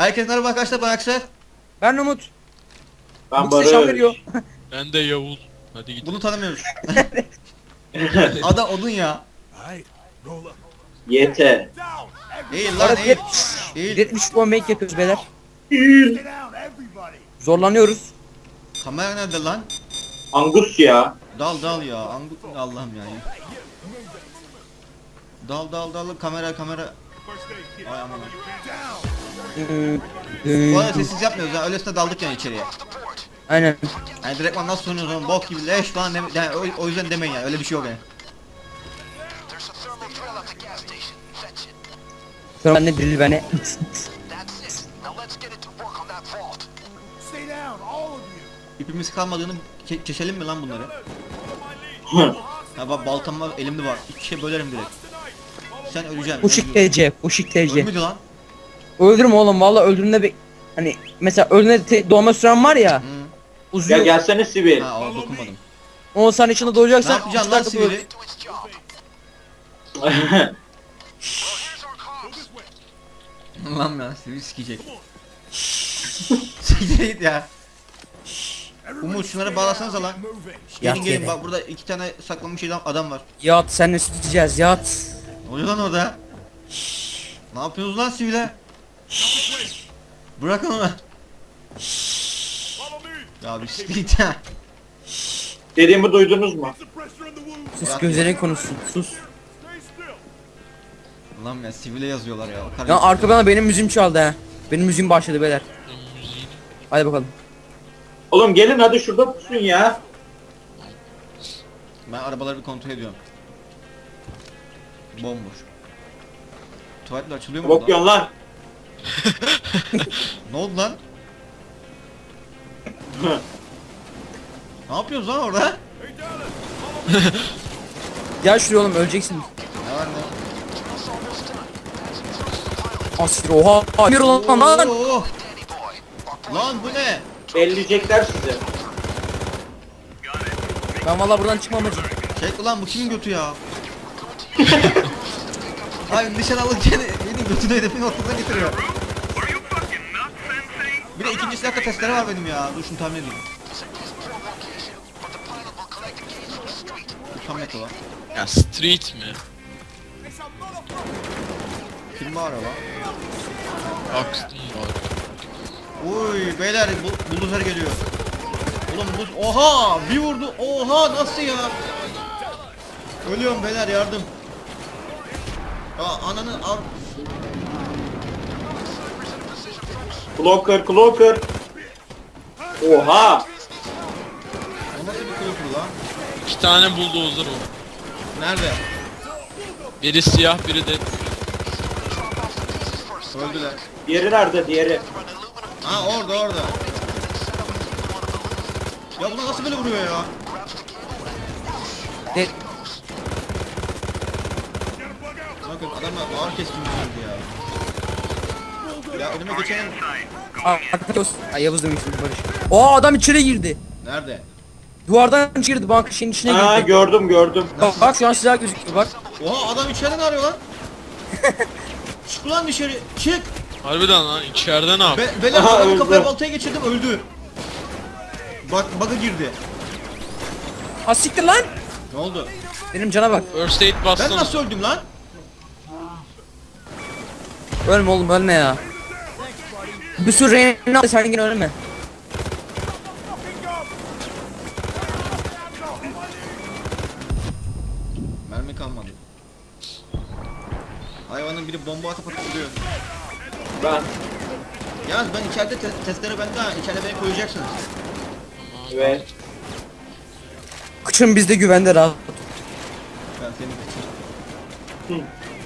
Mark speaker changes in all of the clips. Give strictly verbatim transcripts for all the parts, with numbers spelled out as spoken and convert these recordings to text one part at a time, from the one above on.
Speaker 1: Herkes merhaba arkadaşlar, ben Aksel.
Speaker 2: Ben Umut.
Speaker 3: Ben
Speaker 2: Bu size şan veriyor.
Speaker 3: Barış.
Speaker 4: Ben de Yavuz. Hadi git.
Speaker 1: Bunu tanımıyoruz. Ada odun ya.
Speaker 3: Yete.
Speaker 1: Eğil lan
Speaker 2: Arada
Speaker 1: eğil. Eğil.
Speaker 2: yetmiş puan make yapıyoruz beyler. Zorlanıyoruz.
Speaker 1: Kamera nerede lan?
Speaker 3: Angus ya.
Speaker 1: Dal dal ya. Angu Allah'ım yani. Dal dal dal kamera kamera. Ay aman. Bu arada sessiz yapmıyoruz ya. Öylesine daldık yani içeriye.
Speaker 2: Aynen.
Speaker 1: Yani direktman nasıl oynuyoruz oğlum, bok gibi leş falan deme, yani o, o yüzden demeyin yani, öyle bir şey yok yani.
Speaker 2: Sonra ben de drill beni.
Speaker 1: İpimiz kalmadığını ke keselim mi lan bunları? Ya bak baltam var, elimde var. İki şey bölerim direkt. Sen öleceksin.
Speaker 2: Uşik T C. Uşik T C.
Speaker 1: Ölmüydü lan.
Speaker 2: Öldürme oğlum valla öldüğünde bir... Hani mesela öldüğünde te- doğma süren var ya.
Speaker 1: Hı.
Speaker 2: Uzuyor.
Speaker 3: Ya gelsene Sivil.
Speaker 1: Ha o dokunmadım.
Speaker 2: on saniye içinde
Speaker 1: Ne
Speaker 2: doğacaksan...
Speaker 1: yapacaksın lan
Speaker 2: uçlar da böyle-
Speaker 1: sivili? Lan ya sivil sikecek. Siktir git ya. Umut şunları bağlasanıza lan. Gelin
Speaker 2: Yat
Speaker 1: gelin
Speaker 2: yere.
Speaker 1: bak, burada iki tane saklanmış adam- adam var.
Speaker 2: Yat senle süteceğiz yat.
Speaker 1: Ne oluyor lan orada? Ne yapıyorsunuz lan sivile? Bırakın onu. Ya bir siktir git ya.
Speaker 3: Dediğimi duydunuz mu?
Speaker 2: Sus gözlerin konuşsun sus.
Speaker 1: Lan ya sivile yazıyorlar ya. Kar-
Speaker 2: Ya arka bana benim müziğim çaldı ha. Benim müziğim başladı beyler.
Speaker 4: Müziğini.
Speaker 2: Hadi bakalım.
Speaker 3: Oğlum gelin hadi şurada pusun ya.
Speaker 1: Ben arabaları bir kontrol ediyorum. Bomboş. Tuvaletler açılıyor mu burada?
Speaker 3: Bakıyorsun lan.
Speaker 1: Ne oldu lan? Ne yapıyoruz lan orada?
Speaker 2: Gel şuraya oğlum öleceksin.
Speaker 1: Ne var ne?
Speaker 2: Asir oha. Hayır lan lan.
Speaker 1: Oo! Lan bu ne?
Speaker 3: Belleyecekler sizi.
Speaker 2: Ben valla buradan çıkmam acı.
Speaker 1: Çek ulan, bu kimin götü ya? Ay nişan alırken benim götünü hedefin ortasına getiriyor. Bir de ikinci silahta testere var benim ya. Dur şunu tahmin edeyim. Bu tam net olan.
Speaker 4: Ya street mi?
Speaker 1: Kim bu araba?
Speaker 4: Akston var.
Speaker 1: Uy beyler bu, buldozer geliyor. Oğlum bu oha bir vurdu, oha nasıl ya? Ölüyorum beyler, yardım. Ya ananı al.
Speaker 3: Clocker clocker. Oha.
Speaker 1: O nasıl bir kılıfı lan?
Speaker 4: İki tane bulldozer var.
Speaker 1: Nerede?
Speaker 4: Biri siyah biri de.
Speaker 1: Öldüler.
Speaker 3: Diğeri nerede diğeri?
Speaker 1: Ha orada orada. Ya buna nasıl böyle vuruyor ya?
Speaker 2: De
Speaker 1: Bakın adamlar ağır keskin bir ya. Ya önüme geçen
Speaker 2: Arka dost. Ay Yavuz demiştim Barış. Oo adam içeri girdi.
Speaker 1: nerede?
Speaker 2: Duvardan içeri girdi banka şeyin içine
Speaker 3: Ha
Speaker 2: girdi.
Speaker 3: gördüm gördüm.
Speaker 2: Bak, bak şu an silah gözüküyor bak.
Speaker 1: Oha adam içeriden arıyor lan. Çık ulan dışarı, çık.
Speaker 4: Harbiden lan içeride ne yap?
Speaker 1: Be Beyler
Speaker 3: Aha,
Speaker 1: adamın
Speaker 3: öldü.
Speaker 1: kafaya baltaya geçirdim, öldü. Bak bug'a girdi.
Speaker 2: Ha siktir lan.
Speaker 1: Ne oldu?
Speaker 2: Benim cana bak.
Speaker 4: First aid
Speaker 1: Ben
Speaker 4: bassana.
Speaker 1: nasıl öldüm lan?
Speaker 2: Ölme oğlum ölme ya. Bir sürü reyna al sen yine ölme.
Speaker 1: Mermi kalmadı. Hayvanın biri bomba atıp atıp duruyor.
Speaker 3: Ben.
Speaker 1: Yalnız ben içeride te testleri bende ha. İçeride beni koyacaksınız.
Speaker 3: Evet.
Speaker 2: Kıçın bizde güvende rahat.
Speaker 1: Ben seni kaçırdım.
Speaker 3: Hı.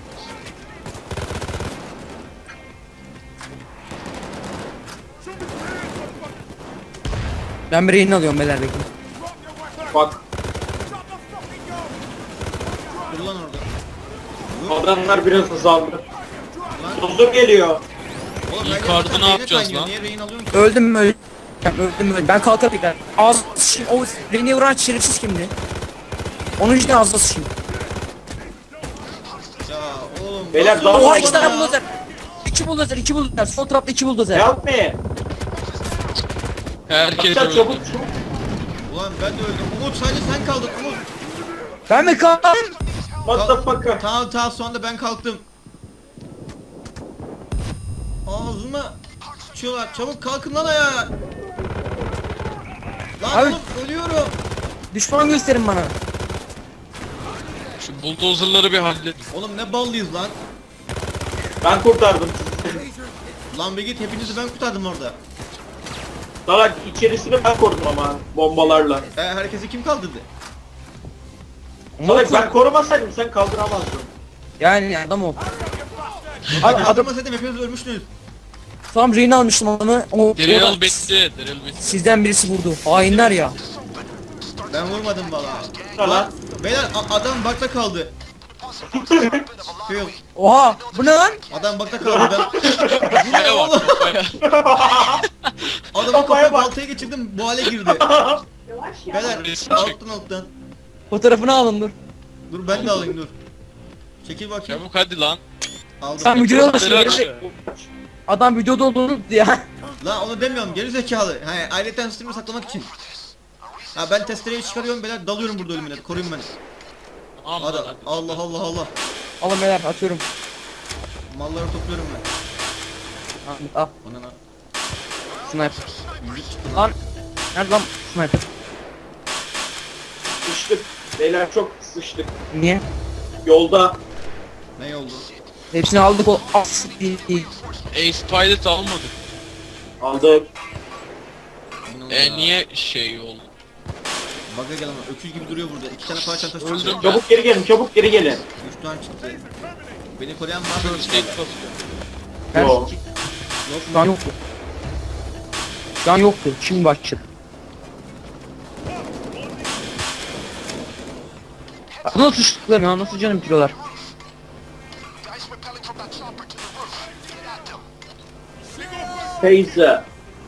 Speaker 2: Ben bir rehin alıyorum beyler bekle.
Speaker 3: Bak.
Speaker 1: Dur lan orada. Dur.
Speaker 3: Adamlar biraz hızlandı.
Speaker 1: Lan.
Speaker 3: Tuzluk geliyor.
Speaker 1: Oğlum,
Speaker 4: İlk
Speaker 1: ben
Speaker 4: kartı
Speaker 1: zaten
Speaker 4: ne
Speaker 1: reyne
Speaker 4: yapacağız
Speaker 1: kaynıyor.
Speaker 4: lan?
Speaker 1: Niye rehin alıyorsun ki?
Speaker 2: Öldüm mü öldüm. Öldüm öldüm. Ben kalkarım tekrar. Ağzı sıçayım. O reyni vuran şerefsiz kimdi? Onun için ağzına sıçayım.
Speaker 1: Ya oğlum.
Speaker 3: Beyler,
Speaker 1: nasıl
Speaker 3: daha
Speaker 1: oldu
Speaker 2: Oha
Speaker 3: var
Speaker 2: iki
Speaker 1: bana
Speaker 2: tane
Speaker 1: ya?
Speaker 2: buldozer. iki buldozer, iki buldozer. Sol tarafta iki buldozer.
Speaker 3: Help me.
Speaker 4: Herkes
Speaker 3: Akşam
Speaker 4: öldü.
Speaker 3: çabuk çabuk.
Speaker 1: Ulan ben de öldüm. Umut sadece sen kaldın Umut.
Speaker 2: Ben mi kaldım?
Speaker 3: What the fuck?
Speaker 1: Tamam tamam sonunda ben kalktım. Ağzıma sıçıyorlar. Çabuk kalkın lan ayağa. Lan
Speaker 2: Abi-
Speaker 1: oğlum ölüyorum.
Speaker 2: Düşman gösterin bana.
Speaker 4: Şu buldozerları bir halledin.
Speaker 1: Oğlum ne ballıyız lan.
Speaker 3: Ben kurtardım.
Speaker 1: Lan bir git hepinizi ben kurtardım orada.
Speaker 3: Salak içerisini ben korudum ama bombalarla.
Speaker 1: E, herkesi kim kaldırdı?
Speaker 3: Salak ben korumasaydım sen kaldıramazdın.
Speaker 2: Yani adam ol.
Speaker 1: Abi
Speaker 2: Abi adam
Speaker 1: kaldırmasaydım hepiniz ölmüştünüz.
Speaker 2: tam rehin almıştım adamı. O, o
Speaker 4: Drill
Speaker 2: da-
Speaker 4: bitti. Drill bitti.
Speaker 2: Sizden birisi vurdu. Hainler ya.
Speaker 1: Ben vurmadım valla.
Speaker 3: Lan.
Speaker 1: Lan beyler a- adam bakta kaldı. Phil,
Speaker 2: Oha bu ne lan?
Speaker 1: adam bakta kaldı ben. Bu ne
Speaker 4: Kafaya
Speaker 1: oğlum?
Speaker 4: bak. Kafaya.
Speaker 1: Adamın
Speaker 3: Kafaya
Speaker 1: kafaya
Speaker 3: bak.
Speaker 1: baltaya geçirdim bu hale girdi. Beyler
Speaker 4: Resim çek.
Speaker 1: alttan alttan.
Speaker 2: Fotoğrafını alın dur.
Speaker 1: Dur ben de alayım dur. Çekil bakayım.
Speaker 4: Çabuk hadi lan.
Speaker 1: Aldım.
Speaker 2: Sen videoya alışın.
Speaker 4: Drill
Speaker 2: Geri-
Speaker 4: aşağı.
Speaker 2: Adam videoda olduğunu unuttu ya.
Speaker 1: Lan onu demiyorum geri zekalı. He ayrıca stream'i saklamak için. Ha ben testereyi çıkarıyorum beyler dalıyorum burada ölümüne koruyun beni.
Speaker 4: Aman
Speaker 1: Hadi
Speaker 4: hadi.
Speaker 1: Allah Allah Allah.
Speaker 2: Alın beyler atıyorum.
Speaker 1: Malları topluyorum ben.
Speaker 2: Ahmet al.
Speaker 1: Bana lan.
Speaker 2: Sniper.
Speaker 1: Müzik çıktı lan.
Speaker 2: Lan. Nerede lan sniper?
Speaker 3: Sıçtık. Beyler çok sıçtık.
Speaker 2: Niye?
Speaker 3: Yolda.
Speaker 1: Ne oldu?
Speaker 2: Hepsini aldık o as değil.
Speaker 4: Ace Pilot almadık.
Speaker 3: Aldık.
Speaker 1: Bu ne oldu
Speaker 4: E
Speaker 1: ya?
Speaker 4: niye şey oldu?
Speaker 1: Baga gel ama öküz gibi duruyor burada. İki tane para çantası
Speaker 4: Öldüm
Speaker 1: çıktı.
Speaker 4: ben.
Speaker 3: Çabuk geri gelin çabuk geri gelin.
Speaker 1: Üç tane çıktı. Beni koruyan var mı?
Speaker 4: First aid basıyor.
Speaker 2: Ben
Speaker 3: Yo.
Speaker 1: Yok
Speaker 2: şu an
Speaker 1: mu?
Speaker 2: yoktu. Şu an yoktu. Şimdi başladı. Nasıl suçluklar ya? Nasıl canım bitiriyorlar?
Speaker 3: Teyze.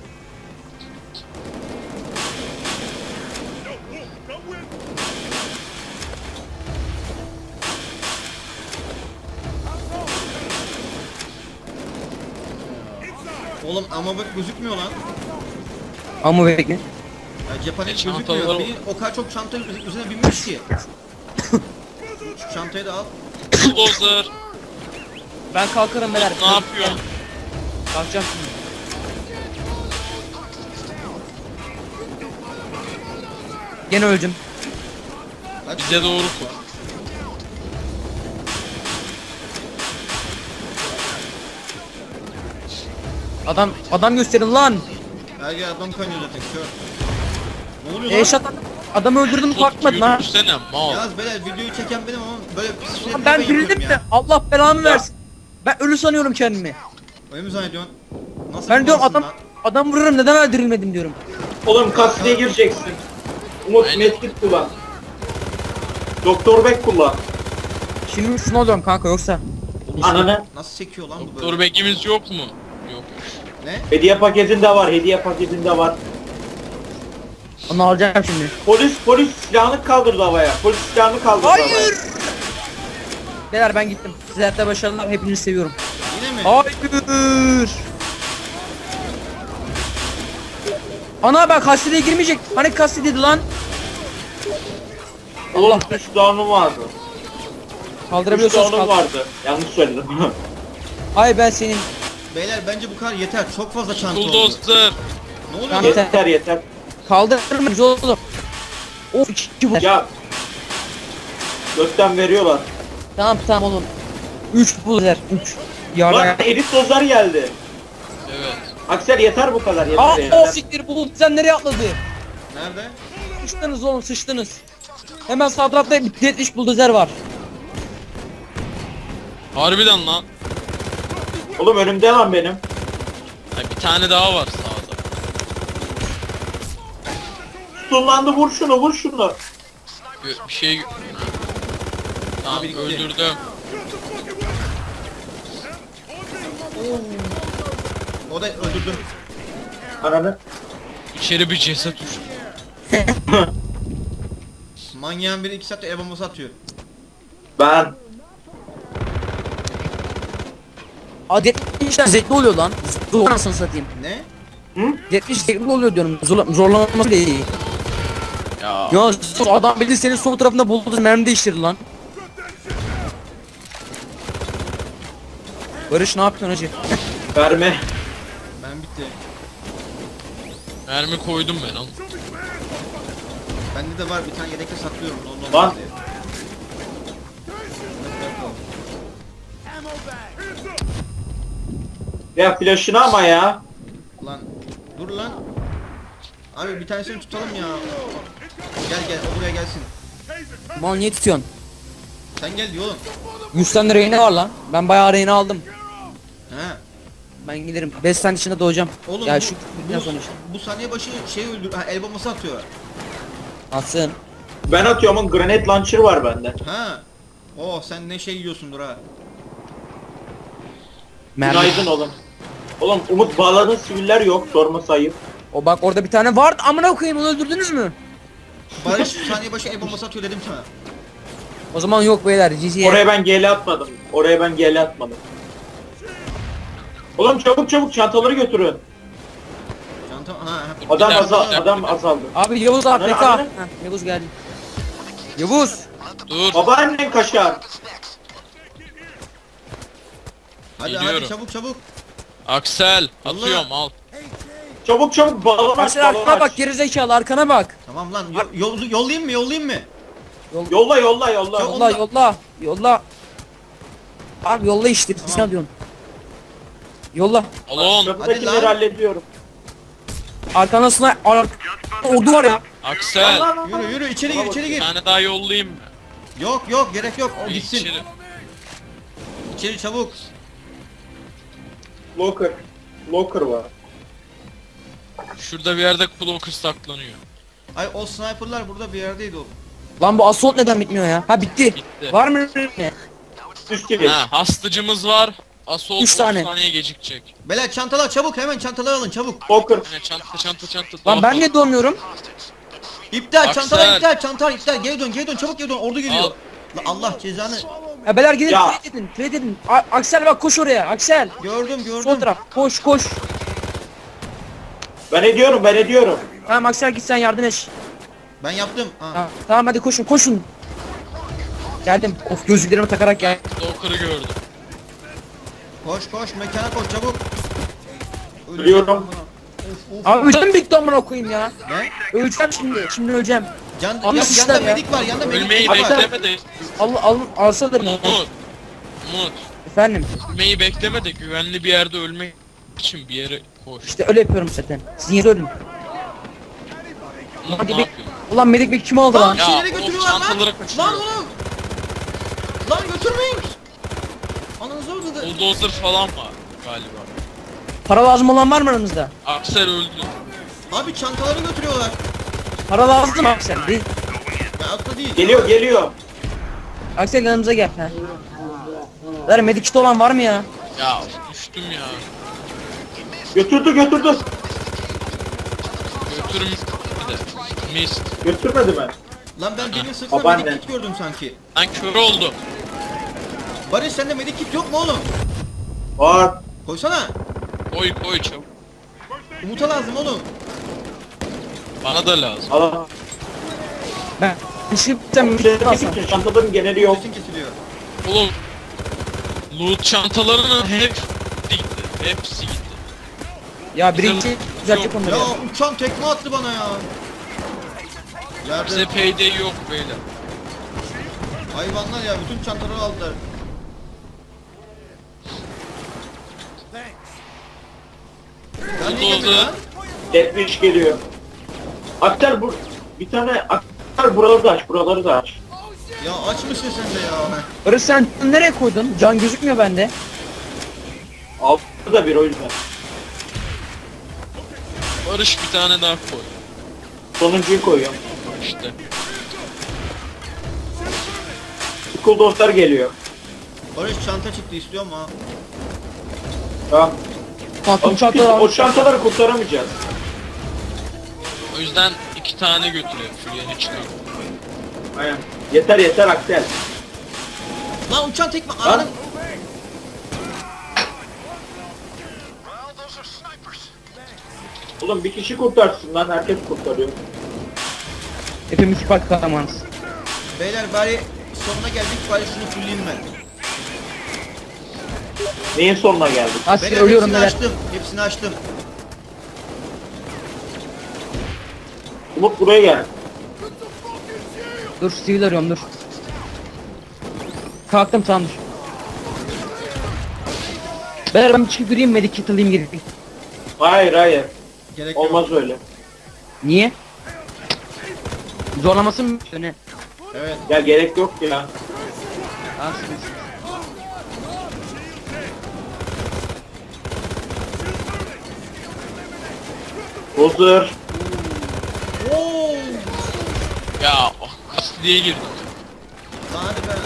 Speaker 1: Oğlum ama bak gözükmüyor lan.
Speaker 2: Ama bekle.
Speaker 1: Ya cephanem
Speaker 4: E,
Speaker 1: gözükmüyor.
Speaker 4: çantalar-
Speaker 1: Beni o kadar çok çanta üzerine binmiş ki. Şu çantayı da al.
Speaker 4: Bulldozer.
Speaker 2: Ben kalkarım beyler.
Speaker 4: Ne yapıyorsun?
Speaker 2: Kalkacağım şimdi. Gene öldüm.
Speaker 1: Kaç?
Speaker 4: Bize doğru kur.
Speaker 2: Adam adam gösterin lan.
Speaker 1: Her yer adam kaynıyor zaten kör. Ne oluyor lan?
Speaker 2: Eşat adamı öldürdüm kalkmadı lan.
Speaker 4: Yürüsene mal.
Speaker 1: Yaz beyler videoyu çeken benim ama böyle pis şey
Speaker 2: Lan ben dirildim de Allah belanı versin. Ben ölü sanıyorum kendimi.
Speaker 1: Öyle mi zannediyorsun? Nasıl
Speaker 2: Ben
Speaker 1: bir
Speaker 2: diyorum
Speaker 1: malsın
Speaker 2: adam
Speaker 1: lan?
Speaker 2: adam vururum neden öldürülmedim diyorum.
Speaker 3: Oğlum kasteye gireceksin. Umut
Speaker 4: Aynen.
Speaker 3: medkit kullan. Doktor Beck kullan.
Speaker 2: Şimdi şunu alıyorum kanka yoksa.
Speaker 3: Ananı.
Speaker 1: Nasıl çekiyor lan bu
Speaker 4: Doktor
Speaker 1: böyle?
Speaker 4: Bekimiz yok mu? Yok.
Speaker 1: Ne?
Speaker 3: Hediye paketinde var, hediye paketinde var.
Speaker 2: Onu alacağım şimdi.
Speaker 3: Polis, polis silahını kaldırdı havaya. Polis silahını kaldırdı havaya.
Speaker 2: Hayır. Beyler ben gittim. Size hayatta başarılar hepinizi seviyorum.
Speaker 1: Yine mi?
Speaker 2: Hayır. Ana ben kastede girmeyecek. Hani kastedeydi lan.
Speaker 3: Oğlum üç down'um vardı. üç
Speaker 2: Kaldırabiliyorsunuz
Speaker 3: down'um
Speaker 2: kaldır.
Speaker 3: vardı. Yanlış söyledim.
Speaker 2: Hayır ben senin.
Speaker 1: Beyler bence bu kadar yeter. Çok fazla çanta oldu.
Speaker 4: Bulldozer.
Speaker 1: Ne oluyor
Speaker 2: Tamam,
Speaker 1: lan?
Speaker 2: yeter.
Speaker 3: yeter yeter.
Speaker 2: Kaldırmayız oğlum. Of iki bu.
Speaker 3: Ya. Gökten veriyorlar.
Speaker 2: Tamam tamam oğlum. Üç bulzer. Üç. Yardım.
Speaker 3: Lan elit dozlar geldi.
Speaker 4: Evet.
Speaker 3: Aksel yeter bu kadar yeter
Speaker 2: Aa o
Speaker 3: yeter.
Speaker 2: siktir bu sen nereye atladı?
Speaker 1: Nerede?
Speaker 2: Sıçtınız oğlum sıçtınız. Hemen sağ tarafta bir yetmiş buldozer var.
Speaker 4: Harbiden lan.
Speaker 3: Oğlum önümde lan benim.
Speaker 4: Ha, bir tane daha var sağda.
Speaker 3: Kullandı vur şunu vur şunu.
Speaker 4: Bir, bir şey... Tamam
Speaker 1: Abi, gitti.
Speaker 4: öldürdüm.
Speaker 1: O da öldürdüm.
Speaker 3: Ananı.
Speaker 4: İçeri bir ceset düştü.
Speaker 1: Manyağın biri iki saatte el bombası atıyor.
Speaker 3: Ben.
Speaker 2: Aa yetmişten zevkli oluyor lan. Zor anasını satayım.
Speaker 1: Ne?
Speaker 2: yetmiş zevkli oluyor diyorum. Zor, zorlanması bile iyi.
Speaker 4: Ya.
Speaker 2: Ya sus, adam bildi senin sol tarafında buldu mermi değiştirdi lan. Barış ne yapıyorsun hacı?
Speaker 3: Verme.
Speaker 1: Ben bitti.
Speaker 4: Mermi koydum ben oğlum.
Speaker 1: Bende de var bir tane yedekte saklıyorum. Ondan
Speaker 3: Lan.
Speaker 1: diye.
Speaker 3: Ya flash'ını ama ya.
Speaker 1: Lan dur lan. Abi bir tanesini tutalım ya. Gel gel o buraya gelsin.
Speaker 2: Mal niye tutuyorsun?
Speaker 1: Sen gel diyor oğlum.
Speaker 2: yüz tane reyne var lan. Ben bayağı reyne aldım.
Speaker 1: He.
Speaker 2: Ben giderim. beş saniye içinde doğacağım.
Speaker 1: Oğlum
Speaker 2: Ya
Speaker 1: bu,
Speaker 2: şu
Speaker 1: bu,
Speaker 2: ne sonuç?
Speaker 1: bu saniye başı şey öldür. Ha, el bombası atıyor.
Speaker 2: Atsın.
Speaker 3: Ben atıyorum ama grenade launcher var bende.
Speaker 1: Ha. Oh sen ne şey yiyorsundur ha.
Speaker 2: Mermi.
Speaker 3: Günaydın oğlum. Oğlum Umut bağladığın siviller yok sorma sayıp.
Speaker 2: O bak orada bir tane vardı. Amına koyayım onu öldürdünüz mü?
Speaker 1: Barış saniye başı el bombası atıyor dedim sana.
Speaker 2: O zaman yok beyler. G G'ye.
Speaker 3: Oraya ben G L atmadım. Oraya ben G L atmadım. Oğlum çabuk çabuk çantaları götürün.
Speaker 1: Çanta ha. ha.
Speaker 3: Adam
Speaker 4: Bir dakika,
Speaker 3: azal
Speaker 4: bir dakika.
Speaker 3: adam azaldı.
Speaker 2: Abi Yavuz A F K.
Speaker 3: Nerede, nerede?
Speaker 2: Heh, Yavuz geldi. Yavuz.
Speaker 4: Dur.
Speaker 3: Babaannen kaşar.
Speaker 1: Hadi
Speaker 4: Geliyorum.
Speaker 1: hadi çabuk çabuk.
Speaker 4: Aksel.
Speaker 1: Allah.
Speaker 4: Atıyorum al.
Speaker 3: Çabuk çabuk balon aç
Speaker 2: Aksel
Speaker 3: balon
Speaker 2: arkana bak
Speaker 3: aç.
Speaker 2: gerizekalı arkana bak.
Speaker 1: Tamam lan yo- yol- yollayayım mı yollayayım mı?
Speaker 3: Yolla yolla yolla.
Speaker 1: Çok-
Speaker 2: Yolla yolla. Yolla. Abi yolla işte.
Speaker 1: Tamam.
Speaker 2: Sen diyorsun. Yolla.
Speaker 4: Alon.
Speaker 3: Kapıdakileri
Speaker 1: Hadi lan.
Speaker 3: hallediyorum.
Speaker 2: Arkana sniper. Ar ordu var ya.
Speaker 4: Aksel.
Speaker 3: Lan, lan, lan.
Speaker 1: Yürü yürü içeri gir içeri
Speaker 4: Bir
Speaker 1: gir.
Speaker 4: tane daha yollayayım mı?
Speaker 1: Yok yok gerek yok o gitsin.
Speaker 4: İçeri.
Speaker 1: İçeri çabuk.
Speaker 3: Locker. Locker var.
Speaker 4: Şurada bir yerde Cloaker saklanıyor.
Speaker 1: Ay o sniperlar burada bir yerdeydi o.
Speaker 2: Lan bu assault neden bitmiyor ya? Ha bitti.
Speaker 4: Bitti.
Speaker 2: Var mı ne?
Speaker 3: Üst gibi.
Speaker 4: Ha, hastacımız var. Assault
Speaker 2: Üç
Speaker 4: otuz
Speaker 2: tane.
Speaker 4: saniye gecikecek.
Speaker 1: Beyler çantalar çabuk hemen çantalar alın çabuk.
Speaker 3: Locker.
Speaker 4: Hani çanta çanta çanta.
Speaker 2: Lan ben
Speaker 4: Doğru.
Speaker 2: niye doğmuyorum?
Speaker 1: İptal
Speaker 4: Aksel.
Speaker 1: çantalar iptal çantalar iptal geri dön geri dön çabuk geri dön ordu geliyor.
Speaker 4: Al.
Speaker 1: La Allah cezanı.
Speaker 2: Ya beyler gidin
Speaker 3: Ya.
Speaker 2: trade edin. Trade edin. A Aksel bak koş oraya. Aksel.
Speaker 1: Gördüm
Speaker 2: Sol
Speaker 1: gördüm.
Speaker 2: taraf. Koş koş.
Speaker 3: Ben ediyorum ben ediyorum.
Speaker 2: Tamam Aksel git sen yardım et.
Speaker 1: Ben yaptım. Ha.
Speaker 2: Ha, tamam hadi koşun koşun. Geldim. Of gözlüklerimi takarak gel.
Speaker 4: Stalker'ı gördüm.
Speaker 1: Koş koş mekana koş çabuk.
Speaker 3: Ölüyorum.
Speaker 1: Of of.
Speaker 2: Abi canım bitti amına koyayım ya.
Speaker 1: Ne?
Speaker 2: Öleceğim şimdi. Şimdi öleceğim.
Speaker 1: Can,
Speaker 2: Abi
Speaker 1: ya,
Speaker 2: işler
Speaker 1: yanda
Speaker 2: ya.
Speaker 1: medik var yanda medik
Speaker 4: Ölmeyi
Speaker 1: var.
Speaker 4: bekleme de.
Speaker 2: Al al alsadır.
Speaker 4: Umut. Umut.
Speaker 2: Efendim.
Speaker 4: Ölmeyi bekleme de güvenli bir yerde ölmek için bir yere koş.
Speaker 2: İşte öyle yapıyorum zaten. Siz niye ölün?
Speaker 4: Umut
Speaker 2: Hadi
Speaker 4: ne
Speaker 2: be-
Speaker 4: yapıyorsun?
Speaker 2: Ulan medik bek kim aldı
Speaker 1: Lan
Speaker 2: lan?
Speaker 4: Ya,
Speaker 1: şeyleri
Speaker 4: of,
Speaker 1: götürüyorlar lan.
Speaker 4: çantaları kaçırıyor.
Speaker 1: Lan oğlum. Lan götürmeyin. Ananızı orada da.
Speaker 4: Bulldozer falan var galiba.
Speaker 2: Para lazım olan var mı aranızda?
Speaker 4: Aksel öldü.
Speaker 1: Abi çantaları götürüyorlar.
Speaker 2: Para lazım mı Aksel? Değil.
Speaker 1: Ya atla değil.
Speaker 3: Geliyor geliyor.
Speaker 2: Aksel yanımıza gel. Ha. Ver medik kit olan var mı ya?
Speaker 4: Ya düştüm ya.
Speaker 3: Götürdü götürdü.
Speaker 4: Götürüm bir de. Mist.
Speaker 3: Götürmedi mi?
Speaker 1: Lan ben demin sırtına
Speaker 3: Babaanne.
Speaker 1: medik kit gördüm sanki.
Speaker 4: Lan kör oldu.
Speaker 1: Barış sende medik kit yok mu oğlum?
Speaker 3: Var.
Speaker 1: Koysana.
Speaker 4: Koy koy çabuk.
Speaker 1: Umut'a lazım oğlum.
Speaker 4: Bana da lazım.
Speaker 3: Al.
Speaker 2: Ben düşüp sen medik alsam.
Speaker 3: Bütün çantaların geneli yok.
Speaker 1: Kesin kesiliyor.
Speaker 4: Oğlum. Loot çantalarının hepsi gitti. Hepsi gitti.
Speaker 2: Ya birinci düzeltecek onları
Speaker 1: Ya
Speaker 2: ya.
Speaker 1: uçan tekme attı bana ya.
Speaker 4: Bize
Speaker 1: Yerde
Speaker 4: payday yok beyler.
Speaker 1: hayvanlar ya bütün çantaları aldılar. Ya niye
Speaker 4: Oldu,
Speaker 1: gelmedi
Speaker 4: oldu.
Speaker 1: lan?
Speaker 3: Deathwish geliyor. Aktar bu bir tane aktar buraları da aç, buraları da aç.
Speaker 1: Ya açmışsın sen de ya.
Speaker 2: Barış sen nereye koydun? Can gözükmüyor bende.
Speaker 3: Altı da bir o yüzden.
Speaker 4: Barış bir tane daha koy.
Speaker 3: Sonuncuyu koyuyorum.
Speaker 4: İşte.
Speaker 3: School dostlar geliyor.
Speaker 1: Barış çanta çıktı istiyor mu ha?
Speaker 3: Tamam.
Speaker 2: Tatlım
Speaker 3: Biz
Speaker 2: çantaları
Speaker 3: o
Speaker 2: almış.
Speaker 3: çantaları kurtaramayacağız.
Speaker 4: O yüzden iki tane götürüyor. Fulya'nı çıkıyor.
Speaker 3: Aynen. Yeter yeter Aksel.
Speaker 1: Lan uçan tekme
Speaker 3: Lan.
Speaker 1: ananın.
Speaker 3: Oğlum bir kişi kurtarsın lan, herkes kurtarıyor.
Speaker 2: Hepimiz süper kahramanız.
Speaker 1: Beyler bari sonuna geldik, bari şunu fulleyim ben.
Speaker 3: Neyin sonuna geldik?
Speaker 2: Asil
Speaker 1: Beyler
Speaker 2: ölüyorum
Speaker 1: hepsini
Speaker 2: neler.
Speaker 1: açtım, hepsini açtım.
Speaker 3: Umut buraya gel.
Speaker 2: Dur sivil arıyorum dur. Kalktım tamamdır. Beyler ben bir çıkıp yürüyeyim medikit alayım gireyim.
Speaker 3: Hayır hayır.
Speaker 1: Gerek yok.
Speaker 3: Olmaz öyle.
Speaker 2: Niye? Zorlamasın mı? Ne?
Speaker 1: Evet.
Speaker 3: Ya gerek yok ya.
Speaker 2: Asil.
Speaker 3: Bozdur.
Speaker 1: Oo!
Speaker 4: Ya oh, kastı diye girdim.
Speaker 1: Lan hadi be.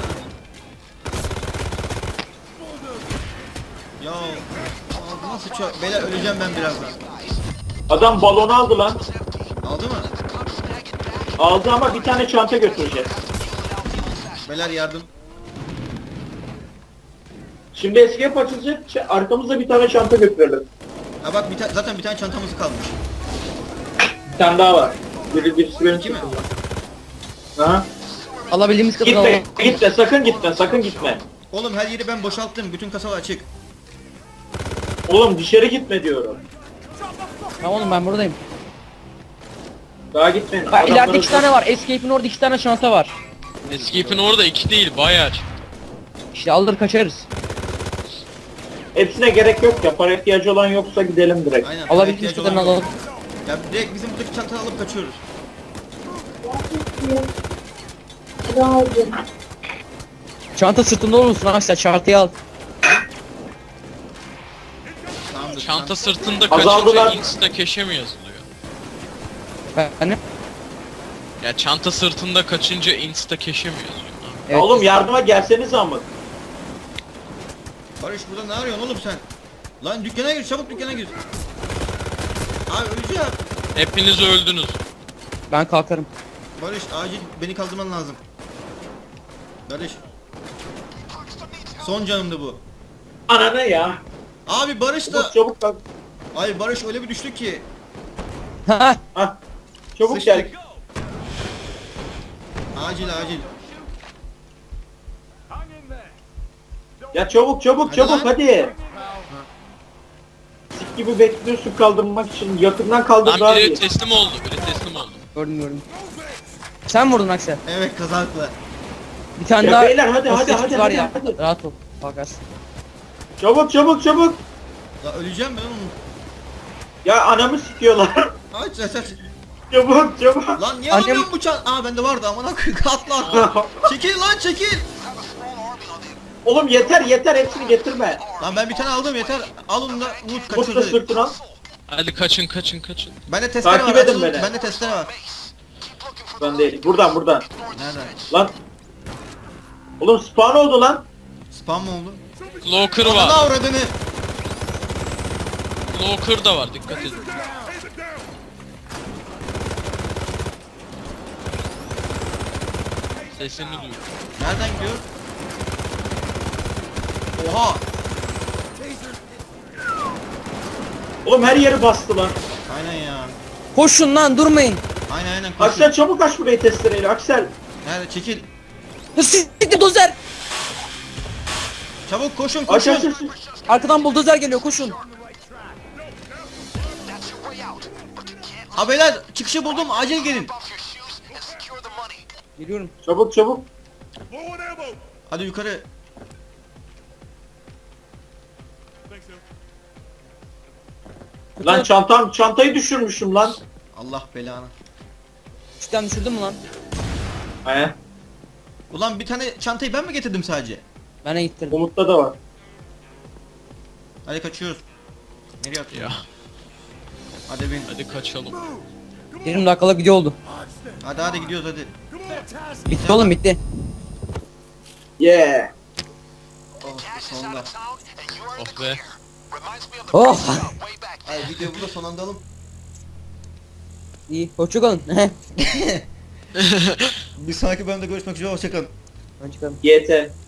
Speaker 1: Ya aa, nasıl çok... Beyler öleceğim ben birazdan.
Speaker 3: Adam balonu aldı lan.
Speaker 1: Aldı mı?
Speaker 3: Aldı ama bir tane çanta götüreceğiz.
Speaker 1: Beyler yardım.
Speaker 3: Şimdi escape açılacak. ç- Arkamızda bir tane çanta götürelim.
Speaker 1: Ha bak bir ta- zaten bir tane çantamız kalmış.
Speaker 3: Bir tane daha var. Biri birisi benim
Speaker 1: İki mi?
Speaker 3: çantamda. Aha.
Speaker 2: Alabildiğimiz kadar
Speaker 3: Gitme,
Speaker 2: alalım.
Speaker 3: gitme, sakın gitme, sakın gitme.
Speaker 1: Oğlum her yeri ben boşalttım. Bütün kasalar açık.
Speaker 3: Oğlum dışarı gitme diyorum.
Speaker 2: Tamam oğlum ben buradayım.
Speaker 3: Daha gitmeyin.
Speaker 2: Bak ileride
Speaker 3: Adamları-
Speaker 2: iki tane var. Escape'in orada iki tane çanta var.
Speaker 4: Escape'in orada iki değil bayağı çıktı.
Speaker 2: İşte alır kaçarız.
Speaker 3: Hepsine gerek yok ya. Para ihtiyacı olan yoksa gidelim direkt.
Speaker 1: Aynen.
Speaker 2: Alabildiğimiz
Speaker 1: ihtiyacı
Speaker 2: kadarını
Speaker 1: olan yok.
Speaker 2: alalım.
Speaker 1: Ya direkt bizim buradaki çantayı alıp kaçıyoruz.
Speaker 2: Çanta sırtında olursun Aksel çantayı al.
Speaker 1: Tamamdır.
Speaker 4: Çanta sırtında
Speaker 3: Azaldılar.
Speaker 4: kaçınca insta cache'e mi yazılıyor?
Speaker 2: Ben
Speaker 4: Ya çanta sırtında kaçınca insta cache'e mi yazıyor?
Speaker 2: evet.
Speaker 3: Oğlum yardıma gelseniz ama.
Speaker 1: Barış burada ne arıyorsun oğlum sen? Lan dükkana gir, çabuk dükkana gir. Abi öleceğim.
Speaker 4: Hepiniz öldünüz.
Speaker 2: Ben kalkarım.
Speaker 1: Barış acil beni kaldırman lazım. Barış. Son canımdı bu.
Speaker 3: Ananı ya.
Speaker 1: Abi Barış da...
Speaker 3: Umut çabuk kalk.
Speaker 1: Ay Barış öyle bir düştü ki.
Speaker 2: Ha.
Speaker 3: Hah. Çabuk
Speaker 1: Sıçtık.
Speaker 3: gel.
Speaker 1: Acil acil.
Speaker 3: Ya çabuk çabuk
Speaker 1: Hadi
Speaker 3: çabuk
Speaker 1: lan.
Speaker 3: hadi. Sik gibi bekliyorsun kaldırmak için. Yakından kaldır
Speaker 4: Lan
Speaker 3: daha
Speaker 4: biri
Speaker 3: iyi.
Speaker 4: teslim oldu, biri teslim oldu.
Speaker 2: Gördüm gördüm. Sen mi vurdun Aksel.
Speaker 1: Evet kazakla.
Speaker 2: Bir tane
Speaker 3: Ya
Speaker 2: daha.
Speaker 3: beyler, hadi, hadi,
Speaker 2: hostage
Speaker 3: hadi,
Speaker 2: var
Speaker 3: hadi,
Speaker 2: ya.
Speaker 3: hadi.
Speaker 2: Rahat ol. Bakarsın.
Speaker 3: Çabuk çabuk çabuk.
Speaker 1: Ya öleceğim ben oğlum.
Speaker 3: Ya anamı sikiyorlar.
Speaker 1: Aç aç aç.
Speaker 3: Çabuk çabuk.
Speaker 1: Lan niye
Speaker 2: Annem-
Speaker 1: almıyorsun bu çan... Aa bende vardı aman akı atla atla. Çekil lan çekil.
Speaker 3: Oğlum yeter yeter, hepsini getirme.
Speaker 1: Lan ben bir tane aldım yeter. Al onu da Umut
Speaker 3: Umut da
Speaker 1: kaçırdı.
Speaker 3: sırtına.
Speaker 4: Hadi kaçın kaçın kaçın.
Speaker 1: Bende testere
Speaker 3: Takip
Speaker 1: var.
Speaker 3: edin
Speaker 1: açılın.
Speaker 3: beni.
Speaker 1: Bende testere var.
Speaker 3: Ben değil. Buradan buradan.
Speaker 1: Nereden?
Speaker 3: Lan. Oğlum spawn oldu lan.
Speaker 1: Spam mı oldu?
Speaker 4: Cloaker
Speaker 1: Ananı
Speaker 4: var.
Speaker 1: avradını.
Speaker 4: Cloaker da var, dikkat edin. Sesini duyuyorum.
Speaker 1: Nereden gidiyor? Oha.
Speaker 3: Oğlum her yeri bastı lan.
Speaker 1: Aynen ya.
Speaker 2: Koşun lan durmayın.
Speaker 1: Aynen aynen koşun.
Speaker 3: Aksel çabuk aç burayı testereyle Aksel.
Speaker 1: Nerede çekil.
Speaker 2: Siktir dozer.
Speaker 1: Çabuk koşun
Speaker 3: Aç aç
Speaker 1: koşun.
Speaker 3: aç.
Speaker 2: Arkadan buldozer geliyor koşun.
Speaker 1: Ha beyler çıkışı buldum acil gelin.
Speaker 2: Geliyorum.
Speaker 3: Çabuk çabuk.
Speaker 1: Hadi yukarı.
Speaker 3: Lan çantam çantayı düşürmüşüm lan.
Speaker 1: Allah belanı.
Speaker 2: Üstten düşürdün mü lan?
Speaker 3: He.
Speaker 1: Ulan bir tane çantayı ben mi getirdim sadece?
Speaker 2: Ben de gittirdim.
Speaker 3: Umut'ta da var.
Speaker 1: Hadi kaçıyoruz. Nereye atıyorsun?
Speaker 4: Ya
Speaker 1: Hadi bin.
Speaker 4: hadi kaçalım.
Speaker 2: yirmi dakikalık video oldu.
Speaker 1: Hadi hadi gidiyoruz hadi.
Speaker 2: Bitti oğlum bitti.
Speaker 3: Yeah.
Speaker 1: Oh sonunda.
Speaker 4: Oh be.
Speaker 2: Oh.
Speaker 1: Ay videoyu burada sonlandıralım.
Speaker 2: İyi hoşçakalın.
Speaker 1: Bir sonraki bölümde görüşmek üzere hoşçakalın.
Speaker 2: Ben çıkalım.
Speaker 3: Y T.